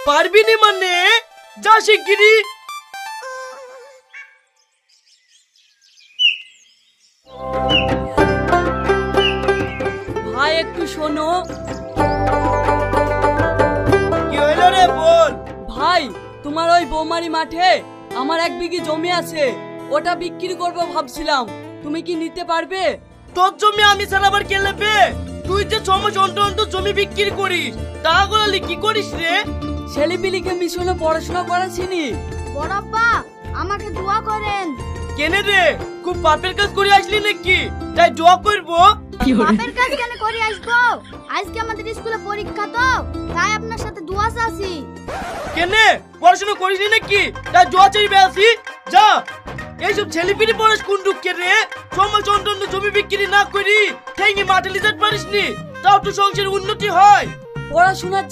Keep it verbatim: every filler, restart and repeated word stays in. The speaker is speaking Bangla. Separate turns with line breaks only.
পারবি নি মানে যা শিগগিরি।
ভাই একটু শোনো।
কি হইলো রে বল।
ভাই তোমার ওই বৌমারি মাঠে আমার এক বিঘি জমি আছে, ওটা বিক্রি করবো ভাবছিলাম, তুমি কি নিতে পারবে?
তোর জমি আমি ছাড়া আবার কে নেবে? তুই যে ছ মাস অন্তর অন্তর জমি বিক্রি করিস, টাকা গুলালি কি করিস রে?
ছেলেপিলিকে মিশনে পড়াশোনা করাছিনি।
বড়াপ্পা আমাকে দোয়া করেন।
কেনে রে খুব পাপের কাজ করে আসলি নাকি তাই দোয়া করবো?
বাপের কাজ কেন করে আসবো? আজকে আমাদের স্কুলে পরীক্ষা তো, তাই আপনার সাথে দোয়া চাচ্ছি।
কেনে পড়াশোনা করিসনি নাকি তাই দোয়া চাইবে আসি? যা এইসব ছেলেপিলি পড়াস কোন দুঃখে রে? সমাজ অন্তর জমি বিক্রি না করি ঠেঙ্গি মাঠে লিজাত পারিসনি, তাও তো সংসারের উন্নতি হয়।
পড়াশোনার